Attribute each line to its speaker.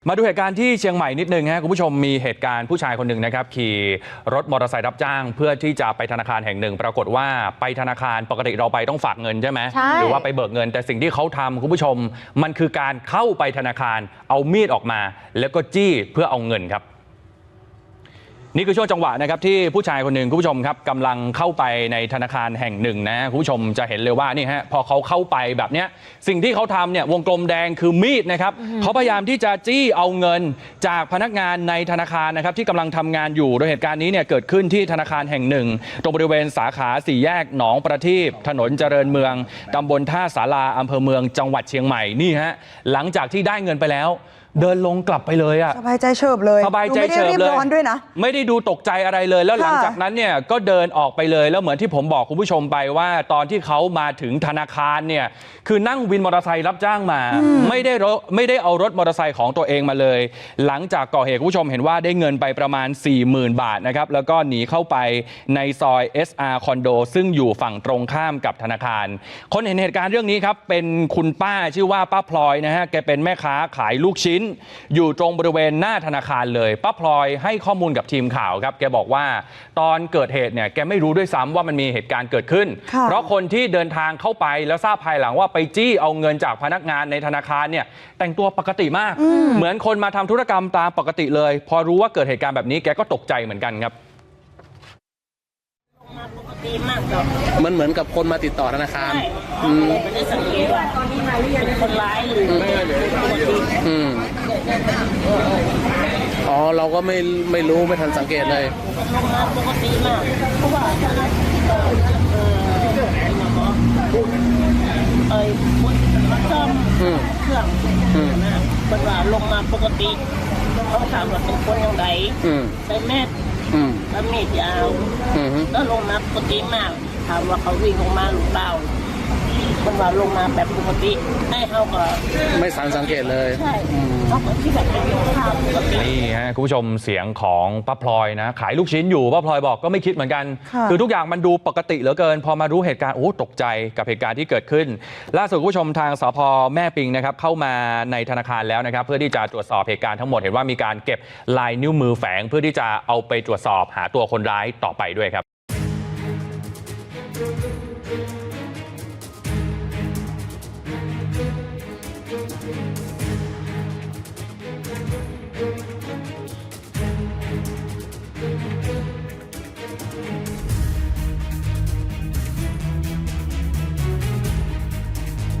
Speaker 1: มาดูเหตุการณ์ที่เชียงใหม่นิดนึงฮะคุณผู้ชมมีเหตุการณ์ผู้ชายคนหนึ่งนะครับขี่รถมอเตอร์ไซค์รับจ้างเพื่อที่จะไปธนาคารแห่งหนึ่งปรากฏว่าไปธนาคารปกติเราไปต้องฝากเงินใช่ไหมหรือว่าไปเบิกเงินแต่สิ่งที่เขาทำคุณผู้ชมมันคือการเข้าไปธนาคารเอามีดออกมาแล้วก็จี้เพื่อเอาเงินครับนี่คือช่วงจังหวะนะครับที่ผู้ชายคนหนึ่งคุณผู้ชมครับกำลังเข้าไปในธนาคารแห่งหนึ่งนะคุณผู้ชมจะเห็นเลยว่านี่ฮะพอเขาเข้าไปแบบนี้สิ่งที่เขาทำเนี่ยวงกลมแดงคือมีดนะครับเขาพยายามที่จะจี้เอาเงินจากพนักงานในธนาคารนะครับที่กำลังทำงานอยู่โดยเหตุการณ์นี้เนี่ยเกิดขึ้นที่ธนาคารแห่งหนึ่งตรงบริเวณสาขาสี่แยกหนองประทีปถนนเจริญเมืองตำบลท่าสาราอำเภอเมืองจังหวัดเชียงใหม่นี่ฮะหลังจากที่ได้เงินไปแล้วเดินลงกลับไปเลยอะ
Speaker 2: สบายใจเฉิบเลย
Speaker 1: สบายใจเฉิบเลย
Speaker 2: ด้วยนะ
Speaker 1: ไม่ได้ดูตกใจอะไรเลยแล้วหลังจากนั้นเนี่ยก็เดินออกไปเลยแล้วเหมือนที่ผมบอกคุณผู้ชมไปว่าตอนที่เขามาถึงธนาคารเนี่ยคือนั่งวินมอเตอร์ไซค์รับจ้างมาไม่ได้เอารถมอเตอร์ไซค์ของตัวเองมาเลยหลังจากก่อเหตุคุณผู้ชมเห็นว่าได้เงินไปประมาณ 40,000 บาทนะครับแล้วก็หนีเข้าไปในซอย SR คอนโดซึ่งอยู่ฝั่งตรงข้ามกับธนาคารคนเห็นเหตุการณ์เรื่องนี้ครับเป็นคุณป้าชื่อว่าป้าพลอยนะฮะแกเป็นแม่ค้าขายลูกชิ้นอยู่ตรงบริเวณหน้าธนาคารเลยป้าพลอยให้ข้อมูลกับทีมข่าวครับแกบอกว่าตอนเกิดเหตุเนี่ยแกไม่รู้ด้วยซ้ำว่ามันมีเหตุการณ์เกิดขึ้นเพราะคนที่เดินทางเข้าไปแล้วทราบภายหลังว่าไปจี้เอาเงินจากพนักงานในธนาคารเนี่ยแต่งตัวปกติมากเหมือนคนมาทำธุรกรรมตามปกติเลยพอรู้ว่าเกิดเหตุการณ์แบบนี้แกก็ตกใจเหมือนกันครับ
Speaker 3: มันเหมือนกับคนมาติดต่อธนาคาร
Speaker 4: ไม่ได้สังเกตว่าเป็นคนร้ายหรือ
Speaker 3: อ๋อเราก็ไม่รู้ไม่ทันสังเกตเลย
Speaker 4: ลงมาปกติมากเพราะว่าคนมาซ่อมเครื่องนะเป็นว่าลงมาปกติเขาถามว่าเป็นคนยังไงใส่แมสแล้วมีดยาวแล้วลงมาปกติมากถามว่าเขาวิ่งลงมาหรือเปล่ามันว่าลงมาแบบปกติให้เขาก็
Speaker 3: ไม่สังเกตเลย
Speaker 4: ใช่เขาก็ที่แบบเป็นข้าวปกติ
Speaker 1: นี่ฮะคุณผู้ชมเสียงของป้าพลอยนะขายลูกชิ้นอยู่ป้าพลอยบอกก็ไม่คิดเหมือนกันคือทุกอย่างมันดูปกติเหลือเกินพอมารู้เหตุการณ์โอ้ตกใจกับเหตุการณ์ที่เกิดขึ้นล่าสุดคุณผู้ชมทางสภ.แม่ปิงนะครับเข้ามาในธนาคารแล้วนะครับเพื่อที่จะตรวจสอบเหตุการณ์ทั้งหมดเห็นว่ามีการเก็บลายนิ้วมือแฝงเพื่อที่จะเอาไปตรวจสอบหาตัวคนร้ายต่อไปด้วยครับ